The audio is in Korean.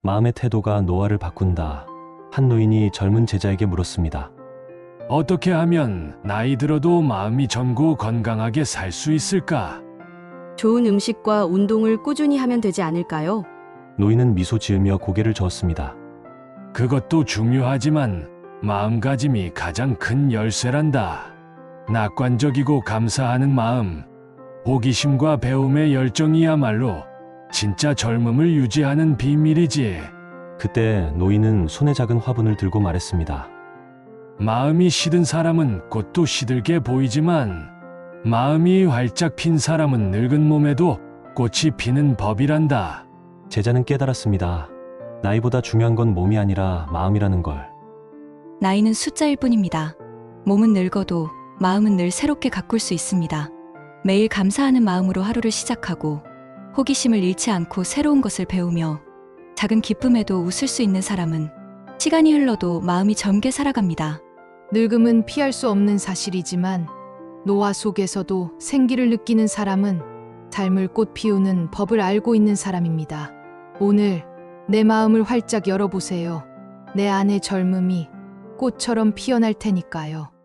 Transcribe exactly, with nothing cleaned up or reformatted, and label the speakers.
Speaker 1: 마음의 태도가 노화를 바꾼다. 한 노인이 젊은 제자에게 물었습니다.
Speaker 2: 어떻게 하면 나이 들어도 마음이 젊고 건강하게 살 수 있을까?
Speaker 3: 좋은 음식과 운동을 꾸준히 하면 되지 않을까요?
Speaker 1: 노인은 미소 지으며 고개를 저었습니다.
Speaker 2: 그것도 중요하지만 마음가짐이 가장 큰 열쇠란다. 낙관적이고 감사하는 마음, 호기심과 배움의 열정이야말로 진짜 젊음을 유지하는 비밀이지.
Speaker 1: 그때 노인은 손에 작은 화분을 들고 말했습니다.
Speaker 2: 마음이 시든 사람은 꽃도 시들게 보이지만 마음이 활짝 핀 사람은 늙은 몸에도 꽃이 피는 법이란다.
Speaker 1: 제자는 깨달았습니다. 나이보다 중요한 건 몸이 아니라 마음이라는 걸.
Speaker 4: 나이는 숫자일 뿐입니다. 몸은 늙어도 마음은 늘 새롭게 가꿀 수 있습니다. 매일 감사하는 마음으로 하루를 시작하고 호기심을 잃지 않고 새로운 것을 배우며 작은 기쁨에도 웃을 수 있는 사람은 시간이 흘러도 마음이 젊게 살아갑니다.
Speaker 5: 늙음은 피할 수 없는 사실이지만 노화 속에서도 생기를 느끼는 사람은 삶을 꽃 피우는 법을 알고 있는 사람입니다. 오늘 내 마음을 활짝 열어보세요. 내 안의 젊음이 꽃처럼 피어날 테니까요.